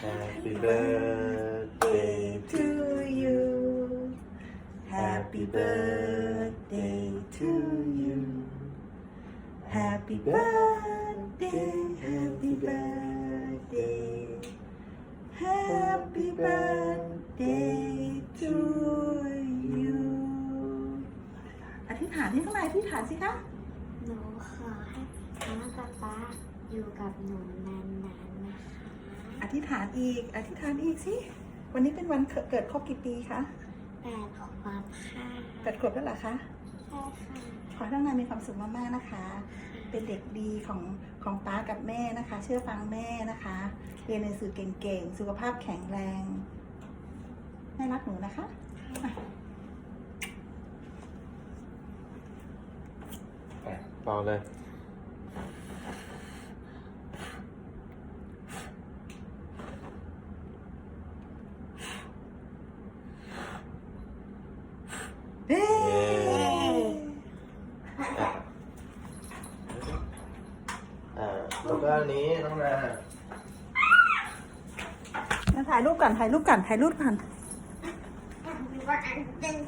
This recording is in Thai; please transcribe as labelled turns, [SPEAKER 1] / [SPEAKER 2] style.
[SPEAKER 1] Happy birthday to you Happy birthday to you Happy birthday Happy birthday Happy birthday to you อธิษฐานที่ข้างในอธิษฐานสิคะ
[SPEAKER 2] หนูขอให้น้าป๊าอยู่กับหนูนานๆนะคะ
[SPEAKER 1] อธิษฐานอีก อธิษฐานอีกสิ วันนี้เป็นวันเกิดครบกี่ปีคะ
[SPEAKER 2] 8 ขวบค่ะ
[SPEAKER 1] 8 ขวบแล้วเหรอคะ
[SPEAKER 2] ใช่ค่ะ
[SPEAKER 1] ขอให้น้องนายมีความสุขมากๆนะคะ เป็นเด็กดีของป้ากับแม่นะคะ เชื่อฟังแม่นะคะ เรียนหนังสือเก่งๆ สุขภาพแข็งแรงแม่รักหนูนะคะเป่าเลยแล้วก็อันนี้น้องนาถ่ายรูปก่อนถ่ายรูปก่อนถ่ายรูปก่อน